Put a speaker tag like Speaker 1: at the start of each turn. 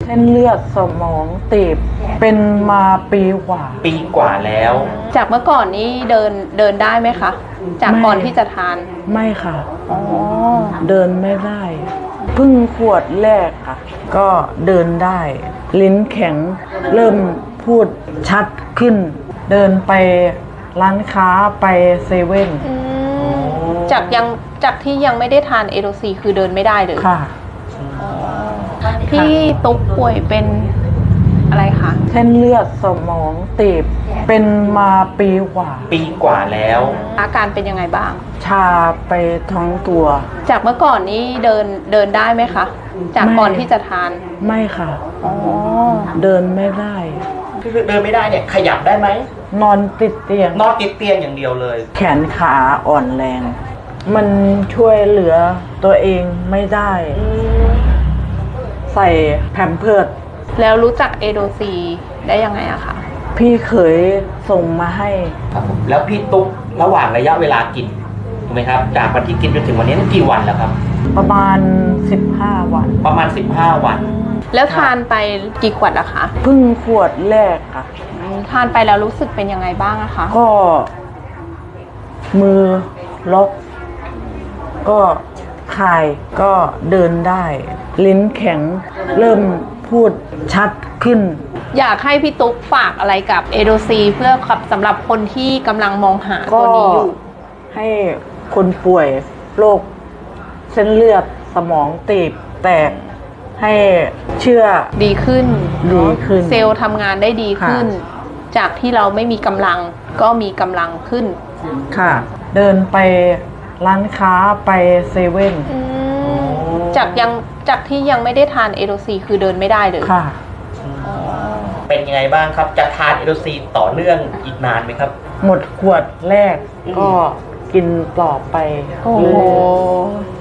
Speaker 1: เส้นเลือดสมองตีบเป็นมาปีกว่า
Speaker 2: แล้ว
Speaker 3: จากเมื่อก่อนนี้เดินได้ไหมคะ จากก่อนที่จะทาน
Speaker 1: ไม่ค่ะ
Speaker 3: อ๋อ
Speaker 1: เดินไม่ได้เพิ่งขวดแรกค่ะก็เดินได้ลิ้นแข็งเริ่มพูดชัดขึ้นเดินไปร้านค้าไปเซเว่น
Speaker 3: จากที่ยังไม่ได้ทานเอโดซีคือเดินไม่ได้เลย
Speaker 1: ค่ะ
Speaker 3: พี่ตุ๊กป่วยเป็นอะไรคะ
Speaker 1: เส้นเลือดสมองตีบเป็นมาปีกว่า
Speaker 2: แล้ว
Speaker 3: อาการเป็นยังไงบ้าง
Speaker 1: ชาไปทั้งตัว
Speaker 3: จากเมื่อก่อนนี้เดินได้ไหมคะจากก่อนที่จะทาน
Speaker 1: ไม่ค่ะเดินไม่ได้
Speaker 2: เดินไม่ได้เนี่ยขยับได้ไหม
Speaker 1: นอนติดเตียง
Speaker 2: อย่างเดียวเลย
Speaker 1: แขนขาอ่อนแรงมันช่วยเหลือตัวเองไม่ได้ใส่แพมเพิร์ส
Speaker 3: แล้วรู้จักเอโดซีได้ยังไงอะคะ
Speaker 1: พี่เคยส่งมาให้
Speaker 2: ครับผมแล้วพี่ตุ๊กระหว่างระยะเวลากินถูกไหมครับจากวันที่กินจนถึงวันนี้กี่วันแล้วครับ
Speaker 1: ประมาณ15 วัน
Speaker 3: แล้วทานไปกี่ขวดอะคะ
Speaker 1: เพิ่งขวดแรกค่ะ
Speaker 3: ทานไปแล้วรู้สึกเป็นยังไงบ้างอะคะ
Speaker 1: ก็มือล็อกก็คายก็เดินได้ลิ้นแข็งเริ่มพูดชัดขึ้น
Speaker 3: อยากให้พี่ตุ๊กฝากอะไรกับเอโดซีเพื่อสำหรับคนที่กำลังมองหาตัวนี้อยู่
Speaker 1: ให้คนป่วยโรคเส้นเลือดสมองตีบแตกให้เชื่อ
Speaker 3: ดีขึ้น
Speaker 1: เ
Speaker 3: ซลล์ทำงานได้ดีขึ้นจากที่เราไม่มีกำลังก็มีกำลังขึ้น
Speaker 1: ค่ะเดินไปร้านค้าไปเซเว่น
Speaker 3: จากที่ยังไม่ได้ทานเอโดซีคือเดินไม่ได้เลย
Speaker 1: ค่ะ
Speaker 2: เป็นยังไงบ้างครับจะทานเอโดซีต่อเนื่องอีกนานไหมครับ
Speaker 1: หมดขวดแรกก็กินต่อไป
Speaker 3: โอ้